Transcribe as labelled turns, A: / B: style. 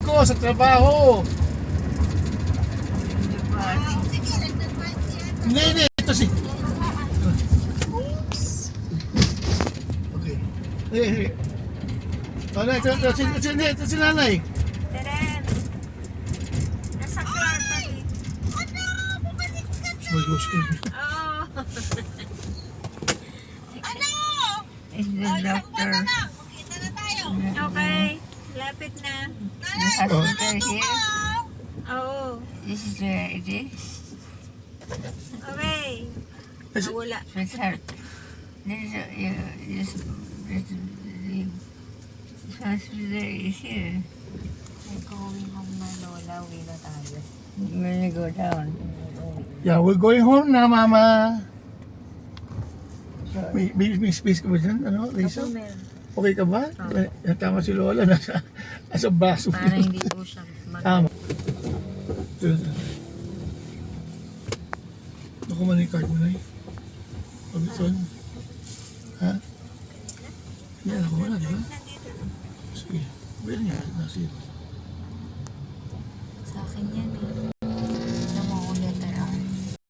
A: ko sa trabaho. Hindi, ito si... Okay. Ito si nanay.
B: Teren. Nasa kwarto eh.
A: Oh.
C: Is the doctor.
B: Okay. Lapit na.
C: The hospital here.
B: Oo.
C: This is where it is.
B: Okay. Nawala.
C: Sweetheart. This hospital is here.
B: Going home na lola. Uwi na tayo.
C: When you go down.
A: Yeah, we're going home na, Mama. May space ka ba dyan? Ano, Lisa?
B: Ako meron.
A: Okay ka ba? Tama si Lola, nasa baso.
B: Para hindi po siya
A: Tama. Naku man yung card mo na eh. Pag-ison. Ha? Yan, ako wala, di ba? Sige. Well, yan. Nasa iyo.
B: Sa akin yan eh.